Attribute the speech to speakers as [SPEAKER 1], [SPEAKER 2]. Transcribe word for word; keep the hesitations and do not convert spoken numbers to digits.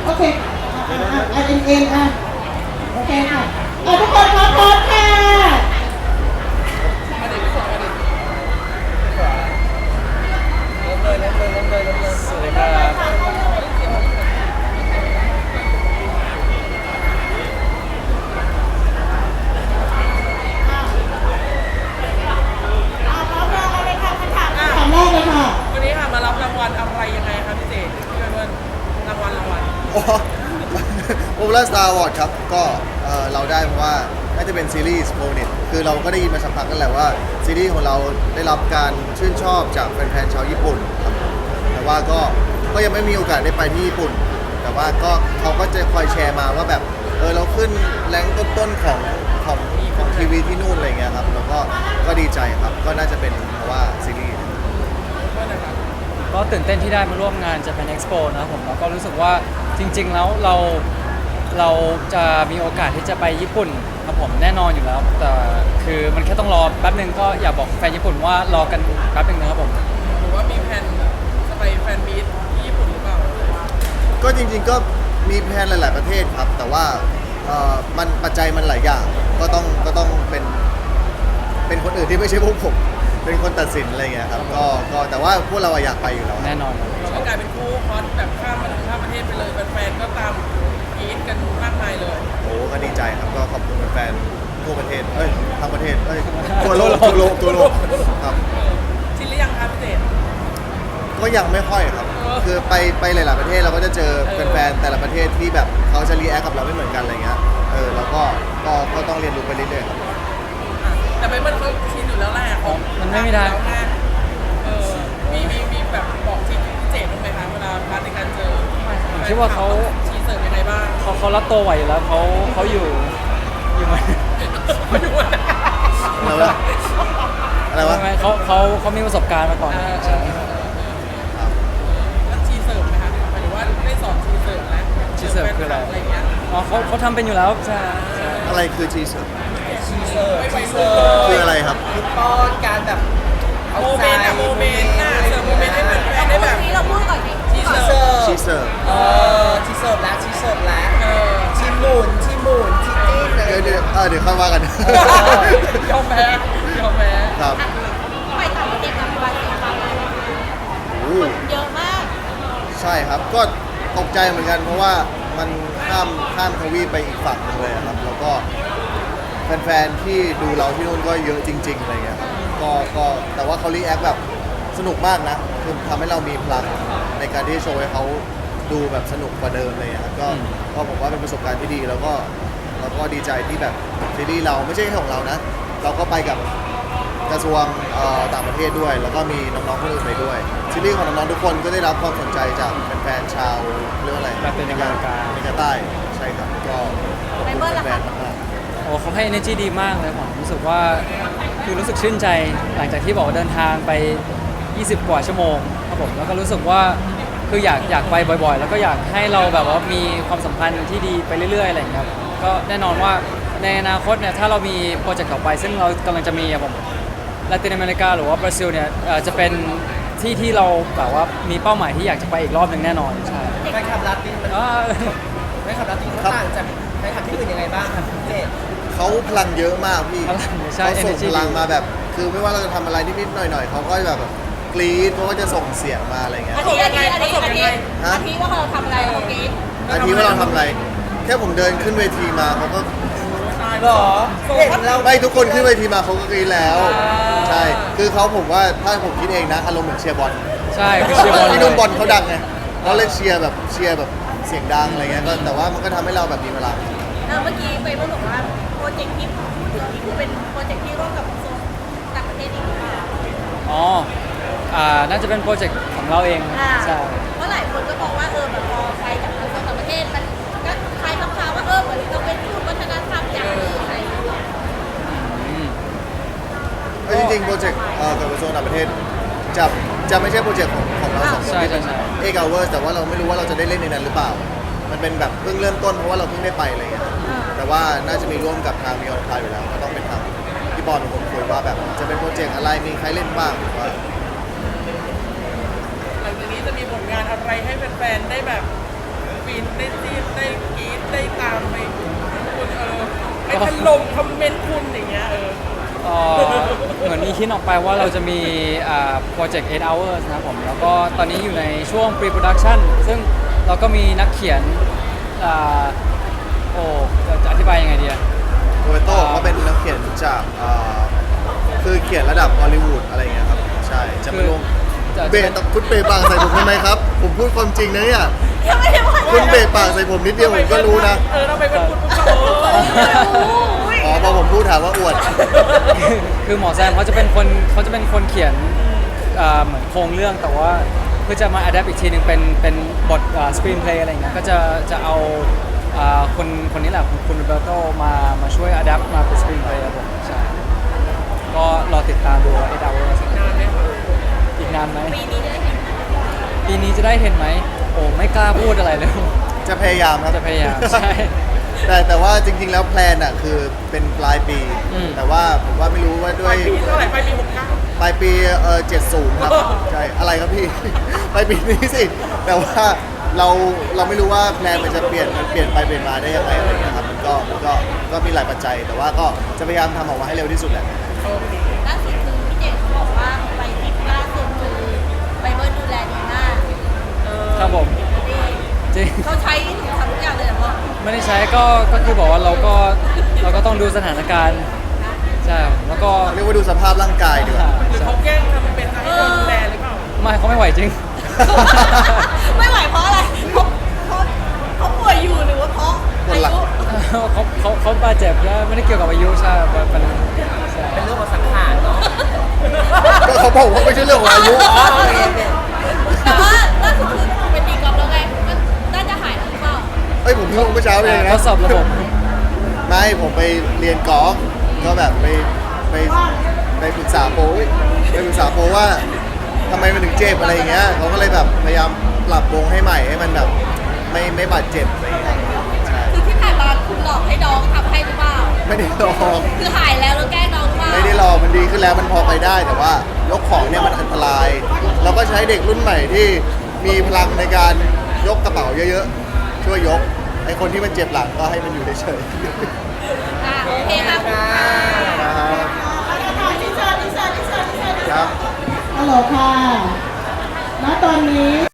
[SPEAKER 1] โอเคอ่ะอ่ะอ่ะเอ็นเอ็นอ่ะโอเคค่ะอ่ะทุกคนพร้อมพร้อมค่ะ
[SPEAKER 2] สวัสดีครับ
[SPEAKER 1] ถามแรกเลยค่ะ
[SPEAKER 3] วันนี้ค่ะมารับรางวัลอะไรยังไงครับพี่เจพี่เบิร์นรางวัลรางวัล
[SPEAKER 2] โอ้โอเปร่าสตาร์วอร์ดครับก็เอ่อเราได้เพราะว่าน่าจะเป็นซีรีส์โมนิตคือเราก็ได้ยินมาสักพักกันแหละว่าซีรีส์ของเราได้รับการชื่นชอบจากแฟนๆชาวญี่ปุ่นครับแต่ว่าก็ก็ยังไม่มีโอกาสได้ไปที่ญี่ปุ่น แต่ว่าก็เขาก็จะคอยแชร์มาว่าแบบเออเราขึ้นแรงต้นๆของของของทีวีที่นู่นอะไรเงี้ยครับแล้วก็ก็ดีใจครับก็น่าจะเป็นเพราะว่าซีรีส์
[SPEAKER 4] ก็ตื่นเต้นที่ได้มาร่วมงาน Japan Expo นะครับผมแล้วก็รู้สึกว่าจริงๆแล้วเราเราจะมีโอกาสที่จะไปญี่ปุ่นครับผมแน่นอนอยู่แล้ว แต่คือมันแค่ต้องรอแป๊บนึงก็อยากบอกแฟนญี่ปุ่นว่ารอกันแป๊บนึงนะครับผม
[SPEAKER 3] หรือว่ามีแผนจะไปแฟนมีตที่ญี่ปุ่นหรือเปล่า
[SPEAKER 2] ก็จริงๆก็มีแพลนหลาย ๆประเทศครับ แต่ว่าเอ่อมันปัจจัยมันหลายอย่างก็ต้องก็ต้องเป็นเป็นคนอื่นที่ไม่ใช่พวกผมเป็นคนตัดสินอะไรเงี้ยครับก็ก็แต่ว่าพวกเราอะอยากไปอยู่แล้ว
[SPEAKER 4] แน่นอนครับ
[SPEAKER 3] เราก็กลายเป็นคู่ฮอตแบบข้ามมาข้ามประเทศไปเลยแฟนๆก็ตามกรี๊ดกันมากมายเลย
[SPEAKER 2] โอ้ก็ดีใจครับก็ขอบคุณแฟนๆทั่วประเทศเอ้ยทั้งประเทศเอ้ยทั่วโลกทั่วโลกทั่วโลกครับ
[SPEAKER 3] ชินหรือยังครับพี่เจ
[SPEAKER 2] ก็ยังไม่ค่อยครับ คือไปไปหลาย ๆประเทศเราก็จะเจอแฟนๆแต่ละประเทศที่แบบเขาจะรีแอคกับเราไม่เหมือนกันอะไรเงี้ยเออแล้วก็ก็ก็ต้องเรียนรู้ไปเรื่อยๆครับ
[SPEAKER 3] อ่ะแต่ไปมันเขาชินอยู่แล้วแหละของ
[SPEAKER 4] มันไม่มีทาง
[SPEAKER 3] แล้วไงเออมีมีมีแบบบอกทีพี่เจบ้างไหมคะเวลาพาร์ทในการเจอ
[SPEAKER 4] ผมคิดว่าเขา
[SPEAKER 3] ชีเสิร์ฟยังไงบ้าง
[SPEAKER 4] เขาเขารับตัวไหวอยู่แล้วเขาเขาอยู่อยู่ไหม
[SPEAKER 3] มาดูนะ
[SPEAKER 2] อะไรวะอะไรวะ
[SPEAKER 4] ไม่ไม่เขาเขาเขามีประสบการณ์มาก่อน
[SPEAKER 3] เออ
[SPEAKER 4] ใช่
[SPEAKER 2] ครับ
[SPEAKER 3] แล้วชีเสิร์ฟไหมคะหมายถึงว่าได้สอนชีเสิร์ฟแล้ว
[SPEAKER 4] ชีเสิร์ฟคืออะไร
[SPEAKER 3] อะไรเงี้ย
[SPEAKER 4] อ๋อเขาเขาทำเป็นอยู่แล้วใช่ใช่
[SPEAKER 2] อะไรคือชีส
[SPEAKER 3] ชีเสิร์ฟไม่ไหวเสิร์ฟ
[SPEAKER 2] คืออะไรครับ
[SPEAKER 3] ป้อนการแบบโมเมนต์อะโมเมนต์น่ะเสิร์ฟโมเมนต์ให้แฟนๆได้แบบ
[SPEAKER 5] นี้เราพูดก่อนดิ
[SPEAKER 3] ชีเสิร์ฟ
[SPEAKER 2] ชีเสิร์ฟ
[SPEAKER 3] เออชีเสิร์ฟแล้วชีเสิร์ฟแล้วเออชีหมุนชีหมุนชีจิ้นอะไร
[SPEAKER 2] เดี๋ยวเดี๋ยวเออเดี๋ยวค่อยว่ากัน
[SPEAKER 3] ยอมแพ้ยอมแพ้
[SPEAKER 2] ครับ
[SPEAKER 5] ไปต่างประเทศกันไปเสียไป
[SPEAKER 2] โอ้
[SPEAKER 5] เยอะมาก
[SPEAKER 2] ใช่ครับ ก็ตกใจเหมือนกัน เพราะว่ามันข้ามข้ามทวีปไปอีกฝั่งหนึงเลยอะครับ แล้วก็แฟนๆที่ดูเราที่นู่นก็เยอะจริงๆอะไรเงี้ยครับก็ก็แต่ว่าเขารีแอคแบบสนุกมากนะคือทำให้เรามีพลังในการที่โชว์ให้เขาดูแบบสนุกกว่าเดิมเลยอะครับก็ก็ผมว่าเป็นประสบการณ์ที่ดีแล้วก็แล้วก็ดีใจที่แบบซีรีส์เราไม่ใช่แค่ของเรานะ เราก็ไปกับกระทรวงเอ่อต่างประเทศด้วย แล้วก็มีน้องๆคนอื่นไปด้วยซีรีส์ของน้องๆทุกคนก็ได้รับความสนใจจากแฟนๆชาวเรื่องอะไร
[SPEAKER 4] ลาตินอเมริกา
[SPEAKER 2] อเมริกาใต้ใช่ครับก็ขอบคุณแฟนๆมาก
[SPEAKER 4] โอ้เขาให้ energy ดีมากเลยผมรู้สึกว่าคือรู้สึกชื่นใจหลังจากที่บอกว่าเดินทางไป ยี่สิบ กว่าชั่วโมงครับผมแล้วก็รู้สึกว่าคืออยากอยากไปบ่อยๆ แล้วก็อยากให้เราแบบว่ามีความสัมพันธ์ที่ดีไปเรื่อยๆอะไรอย่างเงี้ยครับก็แน่นอนว่าในอนาคตเนี่ยถ้าเรามีโปรเจกต์ต่อไป ซึ่งเรากำลังจะมีอะผมลาตินอเมริกาหรือว่าบราซิลเนี่ยเอ่อจะเป็นที่ที่เราแบบว่ามีเป้าหมายที่อยากจะไปอีกรอบหนึ่งแน่นอนใช่
[SPEAKER 3] แฟนคลับลาตินมัน
[SPEAKER 4] อ่า
[SPEAKER 3] แฟนคลับลาตินเขาต่างจากแฟนคลับที่อื่นยังไงบ้างครับพี่เจ
[SPEAKER 2] ๆเขาพลังเยอะมากพี่
[SPEAKER 4] พลังใช่
[SPEAKER 2] เขาส่ง
[SPEAKER 4] energy
[SPEAKER 2] พลัง
[SPEAKER 4] ดี
[SPEAKER 2] มาแบบ คือไม่ว่าเราจะทำอะไรนิดๆหน่อยๆเขาก็แบบกรี๊ดเขาก็จะส่งเสียงมาอะไรเงี้ย
[SPEAKER 5] อาทิอาทิอาทิอาทิ
[SPEAKER 2] ฮะ
[SPEAKER 5] อาทิว่าเราทำอะไรเมื่อกี้
[SPEAKER 2] อาทิว่าเราทำอะไร แค่ผมเดินขึ้นเวทีมาเขาก็
[SPEAKER 3] หรอเห็นเรา
[SPEAKER 2] ไม่ทุกคนขึ้นเวทีมาเขาก็กรี๊ดแล้ว ใช่ คือเขาผมว่าถ้าผมคิดเองนะอารมณ์เหมือนเชียร์บอล
[SPEAKER 4] ใช่คือเชียร์บอล
[SPEAKER 2] ที่
[SPEAKER 4] เล
[SPEAKER 2] นู่น
[SPEAKER 4] ย
[SPEAKER 2] บอลเขาดังไงเราเลยเชียร์แบบเชียร์แบบเสียงดังอะไรเงี้ยก็แต่ว่ามันก็ทำให้เราแบบมีเวลา
[SPEAKER 5] เออเมื่อกี้ไปพูดบอกว่าโปรเจกต์ที่พูดถึงนี่คือเป็นโปรเจกต์ที่ร่วมกับกระทรวงต่างประเทศอีกหรือเปล่า
[SPEAKER 4] อ๋ออ่าน่าจะเป็นโปรเจกต์ของเราเอง
[SPEAKER 5] อ่า
[SPEAKER 4] ใช่
[SPEAKER 5] เพราะหลายคนก็มองว่าเออแบบพอไปกับกระทรวงต่างประเทศมันก็คล้ายคำๆว่าเออเหมือนเราเป็นทูตวัฒนธรรมอย่างหนึ่งอะไรอย่างเงี้ย
[SPEAKER 4] อืม
[SPEAKER 2] เอ้ยจริงๆโปรเจกต์เอ่อกับกระทรวงต่างประเทศจะจะไม่ใช่โปรเจกต์ของของเราสองคน
[SPEAKER 4] ใช่ใช่ใช่
[SPEAKER 2] เอกเอาเวอร์แต่ว่าเราไม่รู้ว่าเราจะได้เล่นในนั้นหรือเปล่า มันเป็นแบบเพิ่งเริ่มต้นเพราะว่าเราเพิ่งได้ไปอะไรเงี้ยแต่ว่าน่าจะมีร่วมกับทางมีออนไลน์อยู่แล้วก็ต้องเป็นทางพี่บอลผมคุยว่าแบบจะเป็นโปรเจกต์อะไรมีใครเล่นบ้างหรือว่า
[SPEAKER 3] หลังจากนี้จะมีผลงานอะไรให้แฟนๆได้แบบฟินได้ถล่มคอมเมนต์คุณอย่างเงี้ยเออ
[SPEAKER 4] เอ่อเหมือนมีคิดออกไปว่าเราจะมีโปรเจกต์eight hours นะครับผม แล้วก็ตอนนี้อยู่ในช่วง pre-production ซึ่งเราก็มีนักเขียนอ่าโอ้จะจะอธิบายยังไงดีอะ
[SPEAKER 2] โรเบโต้เขาเป็นนักเขียนจากอ่าคือเขียนระดับฮอลลีวูดอะไรเงี้ยครับ ใช่ จะมาร่วม
[SPEAKER 4] จะ
[SPEAKER 2] เบะคุณเบะปากใส่ผมทำไมครับ ผมพูดความจริงนะเนี่ย
[SPEAKER 5] ยังไม่ได้ว่า
[SPEAKER 2] คุณเบะปากใส่ผมนิดเดียวผมก็รู้นะ
[SPEAKER 3] เออเราไปเป็นคุณก็เออ
[SPEAKER 2] อ๋อพอผมพูดถามว่าอวด
[SPEAKER 4] คือคือหมอแซมเขาจะเป็นคนเขาจะเป็นคนเขียนอ่าเหมือนโครงเรื่องแต่ว่าเพื่อจะมา adapt อีกทีหนึ่งเป็นเป็นบทสกรีนเพลย์อะไรอย่างเงี้ยก็จะจะเอาอ่าคนคนนี้แหละคุณคุณโรเบโตมามาช่วย adapt มาเป็นสกรีนเพลย์ครับผมใช่ก็รอติดตามดูว่าeight hours
[SPEAKER 3] นานไหมคะ
[SPEAKER 4] อีกนานไหม
[SPEAKER 5] ปีนี้ได้เห็น
[SPEAKER 4] ปีนี้จะได้เห็นไหมโอ้ไม่กล้าพูดอะไรเลย
[SPEAKER 2] จะพยายามครับ
[SPEAKER 4] จะพยายามใช่
[SPEAKER 2] แต่แต่ว่าจริงๆแล้วแพลนอ่ะคือเป็นปลายปี
[SPEAKER 4] อืม
[SPEAKER 2] แต่ว่าผมว่าไม่รู้ว่า
[SPEAKER 3] ป
[SPEAKER 2] ด้ว
[SPEAKER 3] ลาย ยปีเท่าไหร่ปลายปีหกเก้า
[SPEAKER 2] ปลายปีเออเจ็ดศูนย์ครับ ใช่ อะไรครับพี่ ปลายปีนี้สิ แต่ว่าเราเราไม่รู้ว่าแพลนมันจะเปลี่ยนมันเปลี่ยนไปเปลี่ยนมาได้ยังไงอะไรเงี้ยครับมันก็มันก็ก็มีหลายปัจจัย แต่ว่าก็จะพยายามทำออกมาให้เร็วที่สุดแหละ
[SPEAKER 3] โอเค
[SPEAKER 5] ล่าสุดคือพี่เจมส์เขาบอกว่าไปทริปล่าสุดคือไปเบิร์ดดูแลดีมาก
[SPEAKER 3] เออ
[SPEAKER 4] ครับผม
[SPEAKER 5] นี่
[SPEAKER 4] จริง
[SPEAKER 5] เขาใช้ถึงทำทุกอย่างเลยเหรอพ่อ
[SPEAKER 4] ไม่ได้ใช้ก็ก็คือบอกว่าเราก็เราก็ต้องดูสถานการณ์ใช่ครับแล้วก็
[SPEAKER 2] เรียกว่าดูสภาพร่างกายดีกว่า
[SPEAKER 3] หรือเขาแกล้งทำเป็นให้เราดูแลหรือเปล่า
[SPEAKER 4] ไม่เขาไม่ไหวจริง
[SPEAKER 5] ไม่ไหวเพราะอะไรเพราะเพราะเขาป่วยอยู่หรือว่าเพราะอายุ
[SPEAKER 4] เขาเขาเขาบาดเจ็บแล้วไม่ได้เกี่ยวกับอายุใช่เป็นเป็นใช่
[SPEAKER 3] เป็นเรื่องของสังขารเนาะ
[SPEAKER 2] ก็เขาบอกว่าไม่ใช่เรื่องของอายุ
[SPEAKER 5] แต่ว่าล่าสุดคือไปตีกอล์ฟแล้วไงมันน่าจะหายแล้วหรือเปล่า
[SPEAKER 2] เอ้ยผมเพิ่งเมื่อเช้าเอง
[SPEAKER 4] ท
[SPEAKER 2] นะ
[SPEAKER 4] ดสอบระบบ
[SPEAKER 2] ไม่ผมไปเรียนกอล์ฟก็แบบไปไปไปปรึกษาโปรอุ๊ยไปปรึกษาโปรว่าทำไมมันถึงเจ็บอะไรอย่างเงี้ยเขาก็เลยแบบพยายามปรับวงให้ใหม่ให้มันแบบไม่ไม่บาดเจ็บอะไรอย่างเงี้ยใช่
[SPEAKER 5] คือที่ผ่านมาคุณหลอกให้น้องทำให้หรือเปล่า
[SPEAKER 2] ไม่ได้ลอง
[SPEAKER 5] คือหายแล้วแล้วแกล้งน้องหรือเปล่า
[SPEAKER 2] ไม่ได้ลองมันดีขึ้นแล้วมันพอไปได้แต่ว่ายกของเนี่ยมันอันตราย เราก็ใช้เด็กรุ่นใหม่ที่มีพลังในการยกกระเป๋าเยอะๆ ช่วยยกไอคนที่มันเจ็บหลังก็ให้มันอยู่เฉย
[SPEAKER 5] อ่ะโอเคค่ะ
[SPEAKER 2] ๆครับ
[SPEAKER 1] อินเสิร์ตอินเสิร์ตอินเสิร์ตอินเสิร์ต
[SPEAKER 2] ครับ
[SPEAKER 1] ฮัลโหลค่ะณตอนนี้